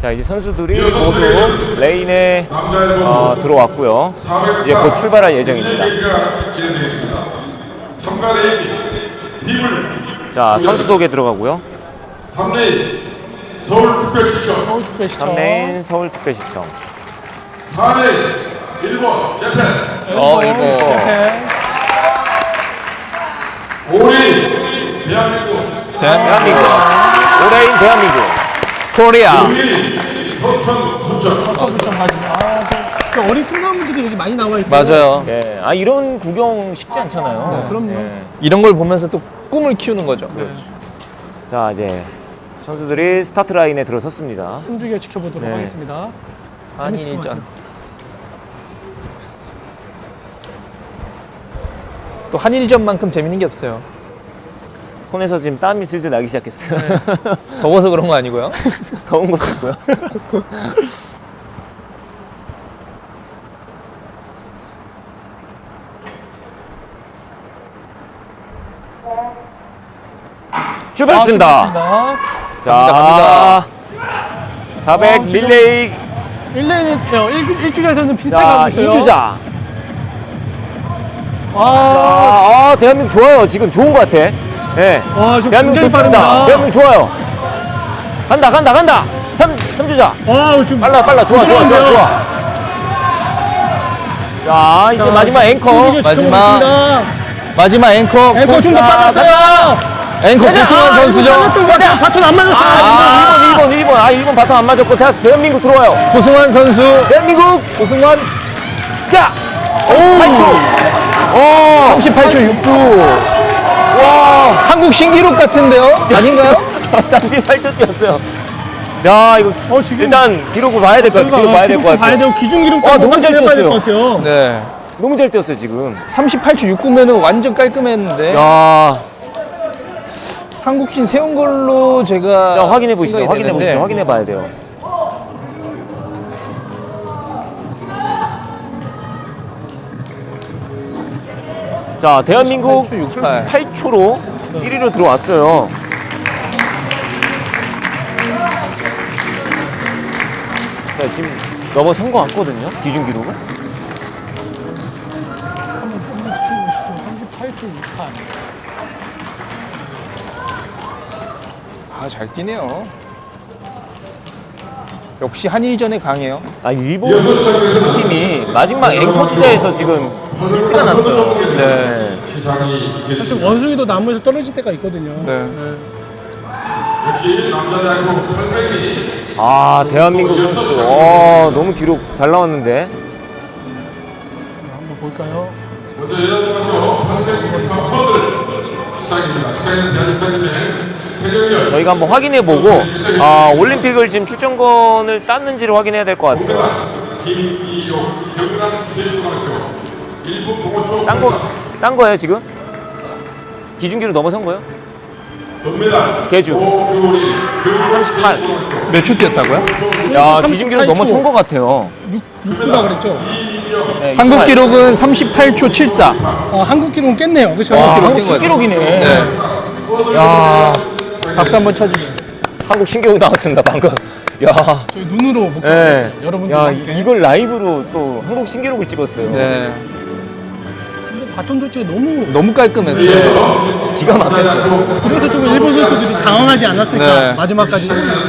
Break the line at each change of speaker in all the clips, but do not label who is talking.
자, 이제 선수들이 모두 레인에 들어왔고요. 이제 곧 출발할 예정입니다. 자, 선수 소개 들어가고요.
3레인 서울특별시청
3레인 서울특별시청.
4레인 일본 재팬
일본.
5레인 대한민국
대한민국. 5레인 대한민국.
코리아.
6레인 서천부천
어린 풍선분들이 여기 많이 나와 있어요.
맞아요.
예, 이런 구경 쉽지 않잖아요.
그럼요.
예.
이런 걸 보면서 또 꿈을 키우는 거죠.
자, 이제 선수들이 스타트 라인에 들어섰습니다.
숨죽여 지켜보도록
네.
하겠습니다. 재밌을 것
한일전.
같아요.
또 한일전만큼 재밌는 게 없어요.
손에서 지금 땀이 슬슬 나기 시작했어요.
더워서 그런 거 아니고요.
더운 것 같고요. 출발했습니다. 자, 400
지금
릴레이.
1레인에 1주자에서는 비슷하게
자,
하고 있어요.
2주자.
아,
대한민국 좋아요. 지금 좋은 것 같아. 예.
지금
대한민국
굉장히
좋습니다.
빠릅니다.
대한민국 좋아요. 간다. 3주자.
지금
빨라. 좋아. 자, 이제 마지막 앵커.
숨죽여 지켜보겠습니다.
마지막 앵커.
앵커 좀 더 빨랐어요.
앵커 고승환 선수죠.
바톤 안 맞았어요.
1번 바텀 안 맞았고 대한민국 들어와요.
고승환 선수.
대한민국.
고승환.
자,
38초 69.
와,
한국 신기록 같은데요? 아닌가요?
38초 뛰었어요. 야, 이거
지금
일단 기록을 봐야 될 것 같아요. 기록 봐야 될 것
봐야
같아요.
되고 기준 기록
너무 잘
해봐야 될
뛰었어요.
것 같아요.
네.
너무 잘 뛰었어요 지금.
38초 69면은 완전 깔끔했는데.
야,
한국신 세운 걸로 제가
자 확인해 보시죠.
생각이
확인해
되는데.
보시죠. 확인해 봐야 돼요. 자, 대한민국
38.
8초로 1위로 들어왔어요. 자, 지금 넘어선 것 같거든요. 기준 기록은.
한번 지켜보시죠. 38초 68.
잘 뛰네요. 역시 한일전에 강해요.
일본 팀이 마지막 앵커 주자에서 지금 미스가 났어요. 네.
사실 원숭이도 나무에서 떨어질 때가 있거든요.
네.
역시 남자대학교 800이
대한민국 선수들. 너무 기록 잘 나왔는데.
한번 볼까요?
먼저 여자대학교 800m 허들 시작입니다. 시작은 대한민국의 최경렬
저희가 한번 확인해보고 올림픽을 지금 출전권을 땄는지를 확인해야 될 것 같아요.
김이용 경남제주고등학교 1분 공호초
딴 거예요 지금? 기준기로 넘어선 거예요?
금메달
개주.
오규리
38.
몇 초 뛰었다고요?
야, 기준기로
38초.
넘어선 것 같아요.
6구라 그랬죠?
네,
한국
28.
기록은 38초 74.
한국 기록은 깼네요. 그렇죠?
한국
깬 거예요.
신기록이네.
네.
야,
박수 한번 쳐주시죠.
한국 신기록 나왔습니다 방금. 야,
저희 눈으로 못
네.
봤어요. 여러분들
야,
함께.
이걸 라이브로 또 한국 신기록을 찍었어요.
네.
근데 바톤 도치가 너무
너무 깔끔했어요.
기가 막혔죠.
그래서 좀 일본 선수들이 당황하지 않았을까.
네.
마지막까지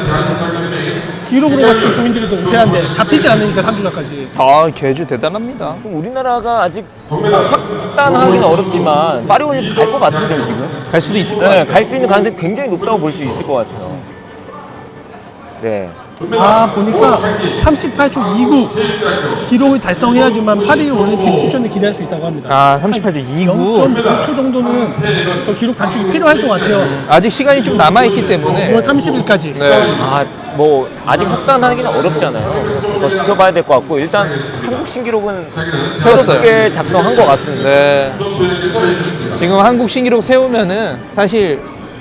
기록으로 봤을 때 본인들도 우세한데 잡히지 않으니까 3주까지.
개주 대단합니다.
그럼 우리나라가 아직 확단하기는 어렵지만 파리 올림픽 갈 것 같은데요 지금?
갈 수도 있을 것
네,
같아요.
갈 수 있는 가능성이 굉장히 높다고 볼 수 있을 것 같아요. 네.
보니까 38초 29 기록을 달성해야지만 파리 올림픽 출전을 기대할 수 있다고 합니다.
38초 29.
0.9초 정도는 더 기록 단축이 필요할 것 같아요.
아직 시간이 좀 남아있기 때문에.
9월 30일까지.
네.
뭐 아직 확단하기는 어렵잖아요. 더 지켜봐야 될 것 같고 일단 한국 신기록은
세웠어요.
새롭게 작성한 것 같습니다.
네. 지금 한국 신기록 세우면은 사실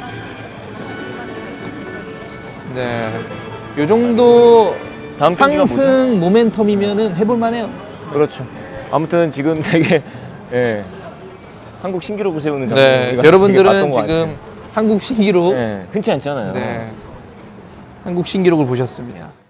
네. 요 정도
다음 경기가
상승 모멘텀이면은 해볼만해요.
그렇죠. 아무튼 지금 되게 한국 신기록을 세우는 작품
네.
우리가 되게
여러분들은
봤던 것
지금 한국 신기록
같아요. 흔치 않잖아요.
네. 한국 신기록을 보셨습니다.